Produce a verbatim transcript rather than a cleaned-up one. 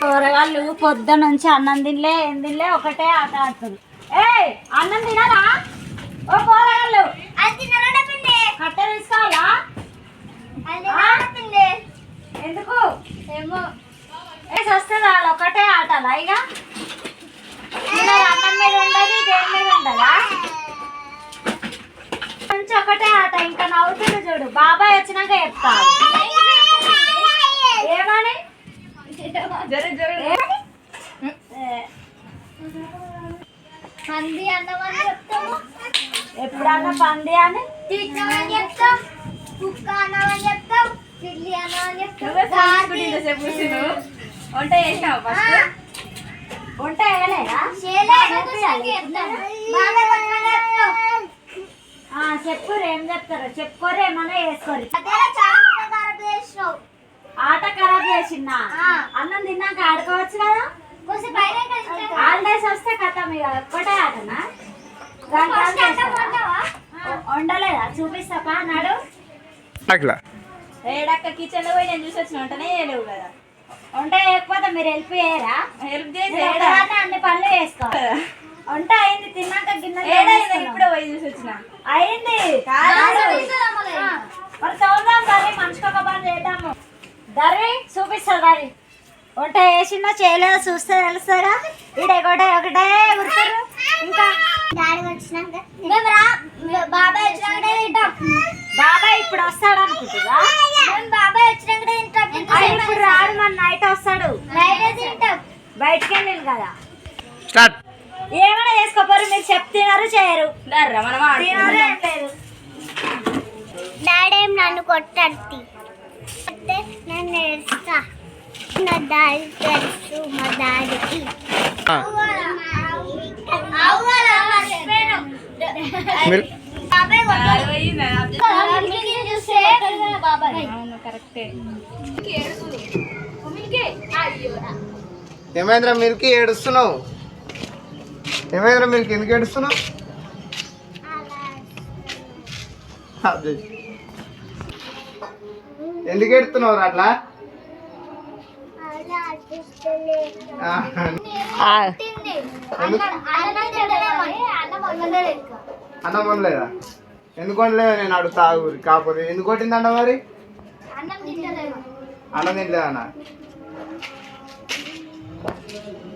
కూరగాయలు పొద్దు నుంచి అన్నం తినలే ఏం తినలే ఒకటే ఆట ఆడుతుంది. ఏ అన్నం తినారా? ఓ కూరగాయలు కట్టె తీసుకోవాలా? ఎందుకు ఏమో వస్తే వాళ్ళు ఒకటే ఆటలా ఇక అన్నం మీద ఉండదు దేని మీద ఉండదా కొంచెం ఒకటే ఆట. ఇంకా నవ్వుతుంది చూడు. బాబాయ్ వచ్చినాక చెప్తా ఏమని పంది అన్నమని చెప్తాము. ఎప్పుడన్నా పంది అని చెప్తాం, కుక్క అన్నమని చెప్తాం, పిల్లి అన్నమని చెప్తాం. వంట చేసావు? వంట వేయలేదా? చెప్పురు ఏం చెప్తారు చెప్పుకోరు ఏమన్నా వేసుకోరు. ఆట ఖరాబ్ చేసిందా? అన్నం తిన్నాక ఆడుకోవచ్చు కదా. హాలిడేస్ వస్తే కథ ఇక ఒక్కటే ఆటనా? వండలేదా? చూపిస్తాపా అన్నాడు. ఏడక్క కిచెన్ లో పోయి నేను చూసి వచ్చిన వంటనే చేయలేవు కదా. వంట చేయకపోతే మీరు హెల్ప్ చేయరా? హెల్ప్ చేసి అన్ని పనులు చేసుకోవాలి. వంట అయింది తిన్నాక గిన్నె ఇప్పుడే పోయి చూసి వచ్చిన అయింది. మరి చూద్దాం దరి మనిషికి ఒక పని చేద్దాము. దరి చూపిస్తా దరి వంట వేసిందో చేయలేదో చూస్తే తెలుస్తారా? ఈడే ఒకటే ఒకటే గుర్తారు. ఇంకా బాబాయ్ వచ్చినాకనే తింటాం. బాబాయ్ ఇప్పుడు వస్తాడు అనుకుంటుగా? బాబాయ్ వచ్చినాకనే తింటాం. ఇప్పుడు రాడు, మన నైట్ వస్తాడు. నైట్ తింటాం. బయటకి వెళ్ళి కదా. ఏమైనా చేసుకోపోరు. మీరు చెప్తున్నారు చేయరు. తినారు ఏం లేదు. డాడీ నన్ను కొట్టండి, నన్ను ఏడుస్తా. నా డాడీ తెలుసు, మా డాడీకి ఏమైందిరా మిల్కి ఏడుస్తున్నావు? ఏమైందిరా మిల్కి ఎందుకు ఏడుస్తున్నావు? ఎందుకు ఏడుస్తున్నావు అట్లా? అన్నం వండలేదా? ఎందుకు వండలేదా? నేను అడుగుతా ఊరి కాకపోతే ఎందుకు కొట్టింది అన్న మరి? అన్నం తింటలేదన్నా.